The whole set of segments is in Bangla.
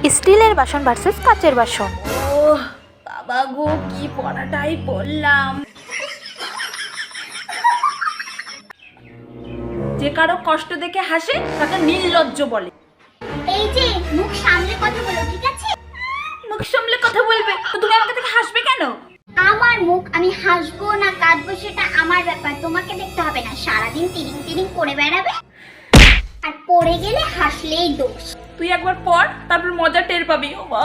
স্টিলের বাসন ভার্সেস কাচের বাসন। ও বাবা গো, কি পড়াটাই পড়লাম। যে কারো কষ্ট দেখে হাসে তাকে নির্লজ্জ বলে। এই যে মুখ সামলে কথা বলো, ঠিক আছে? মুখ সামলে কথা বলবে তো তুমি আমাকে দেখে হাসবে কেন? আমার মুখ, আমি হাসবো না কাঁদবো সেটা আমার ব্যাপার, তোমাকে দেখতে হবে না। সারাদিন তিরিং তিরিং করে বেড়াবে আর পড়ে গেলে হাসলেই দোষ। তুই একবার পড়, তারপর মজা টের পাবি। ও মা,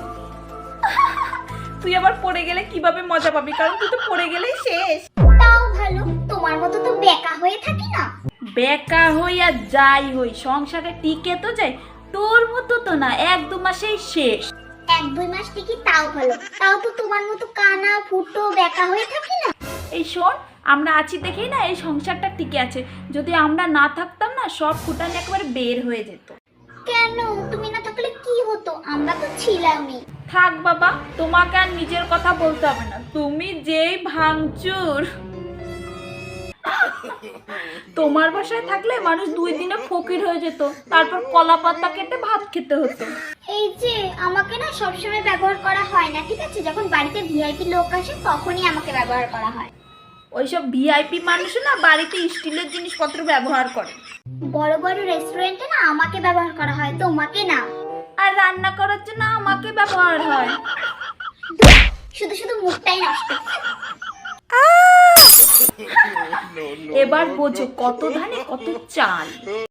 তুই আবার পড়ে গেলে কিভাবে মজা পাবি, কারণ তুই তো পড়ে গেলেই শেষ। তাও ভালো, তোমার মতো তো বেকা হয়ে থাকি না। বেকা হই আর যাই হই, সংসারে টিকে তো যাই। তোর মতো তো না, 1-2 মাসেই শেষ। 1-2 মাস টিকি তাও ভালো, তাও তো তোমার মতো কানা ফুটো বেকা হয়ে থাকি না। এই শোন, আমরা আছি দেখেই না এই সংসারটা টিকে আছে। যদি আমরা না থাকতাম না, সব ফুটানি একেবারে বের হয়ে যেত। কেন? তুমি না থাকলে কি হতো? আমরা তো ছিলামই। থাক বাবা, তোমাকে আর নিজের কথা বলতে হবে না। তুমি যেই ভাঙচুর। তোমার বাসায় থাকলে মানুষ 2 দিনে ফকির হয়ে যেত, তারপর কলা পাতা কেটে ভাত খেতে হতো। এই যে আমাকে না সবসময় ব্যবহার করা হয় না, ঠিক আছে? যখন বাড়িতে ভিআইপি লোক আসে তখনই আমাকে ব্যবহার করা হয়। ওইসব ভিআইপি মানুষ না বাড়িতে স্টিলের জিনিসপত্র ব্যবহার করে। বড় বড় রেস্টুরেন্টে না আমাকে ব্যবহার করা হয়, তোমাকে না। আর রান্না করার জন্য আমাকে ব্যবহার হয়। শুধু শুধু মুখটাই নষ্ট। এবার বোঝো কত ধানে কত চাল।